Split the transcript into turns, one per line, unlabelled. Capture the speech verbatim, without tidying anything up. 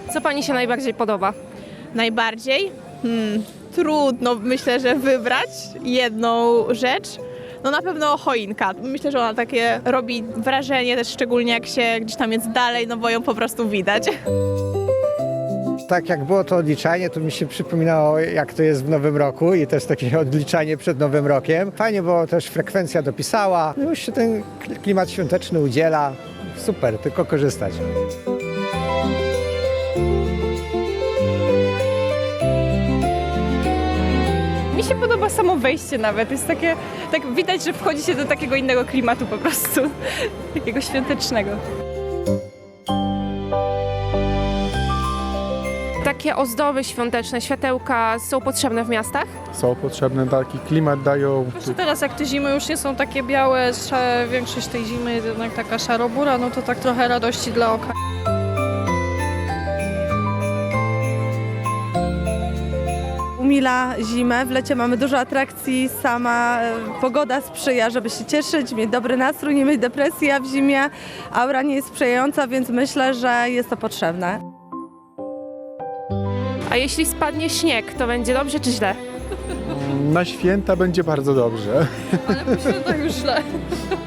Co pani się najbardziej podoba?
Najbardziej? Hmm, trudno myślę, że wybrać jedną rzecz. No na pewno choinka. Myślę, że ona takie robi wrażenie też szczególnie jak się gdzieś tam jest dalej, no bo ją po prostu widać.
Tak jak było to odliczanie, to mi się przypominało, jak to jest w Nowym Roku i to jest takie odliczanie przed Nowym Rokiem. Fajnie, bo też frekwencja dopisała. No już się ten klimat świąteczny udziela. Super, tylko korzystać.
Mi się podoba samo wejście nawet, jest takie, tak widać, że wchodzi się do takiego innego klimatu po prostu, takiego świątecznego.
Takie ozdoby świąteczne, światełka są potrzebne w miastach?
Są potrzebne, taki klimat dają.
Zwłaszcza teraz, jak te zimy już nie są takie białe, że większość tej zimy jest jednak taka szarobura, no to tak trochę radości dla oka.
Umila zimę, w lecie mamy dużo atrakcji, sama e, pogoda sprzyja, żeby się cieszyć, mieć dobry nastrój, nie mieć depresji, a w zimie aura nie jest sprzyjająca, więc myślę, że jest to potrzebne.
A jeśli spadnie śnieg, to będzie dobrze czy źle?
Na święta będzie bardzo dobrze.
Ale po świętach już źle.